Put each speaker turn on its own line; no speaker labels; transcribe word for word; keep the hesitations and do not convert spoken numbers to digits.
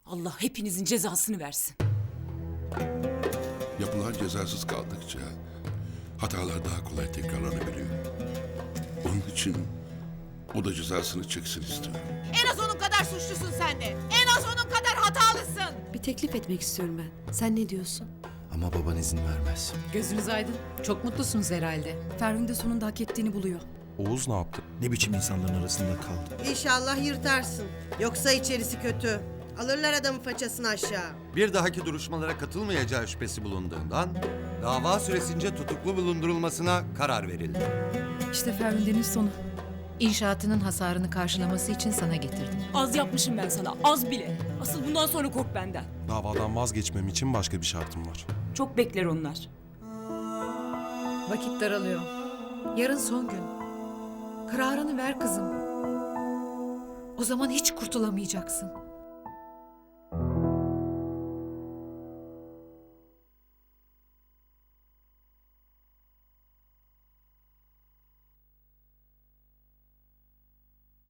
Allah hepinizin cezasını versin.
Yapılan cezasız kaldıkça hatalar daha kolay tekrarlanabiliyor. Onun için o da cezasını çeksin istiyorum.
En az onun kadar suçlusun sen de. En az onun kadar hatalısın.
Bir teklif etmek istiyorum ben. Sen ne diyorsun?
Ama baban izin vermez.
Gözünüz aydın. Çok mutlusunuz herhalde.
Ferhun de sonunda hak ettiğini buluyor.
Oğuz ne yaptı?
Ne biçim insanların arasında kaldı?
İnşallah yırtarsın. Yoksa içerisi kötü. Alırlar adamın façasını aşağı.
Bir dahaki duruşmalara katılmayacağı şüphesi bulunduğundan dava süresince tutuklu bulundurulmasına karar verildi.
İşte Ferhunde'nin sonu.
İnşaatının hasarını karşılaması için sana getirdim.
Az yapmışım ben sana, az bile. Asıl bundan sonra kork benden.
Davadan vazgeçmem için başka bir şartım var.
Çok bekler onlar.
Vakit daralıyor. Yarın son gün. Kararını ver kızım. O zaman hiç kurtulamayacaksın.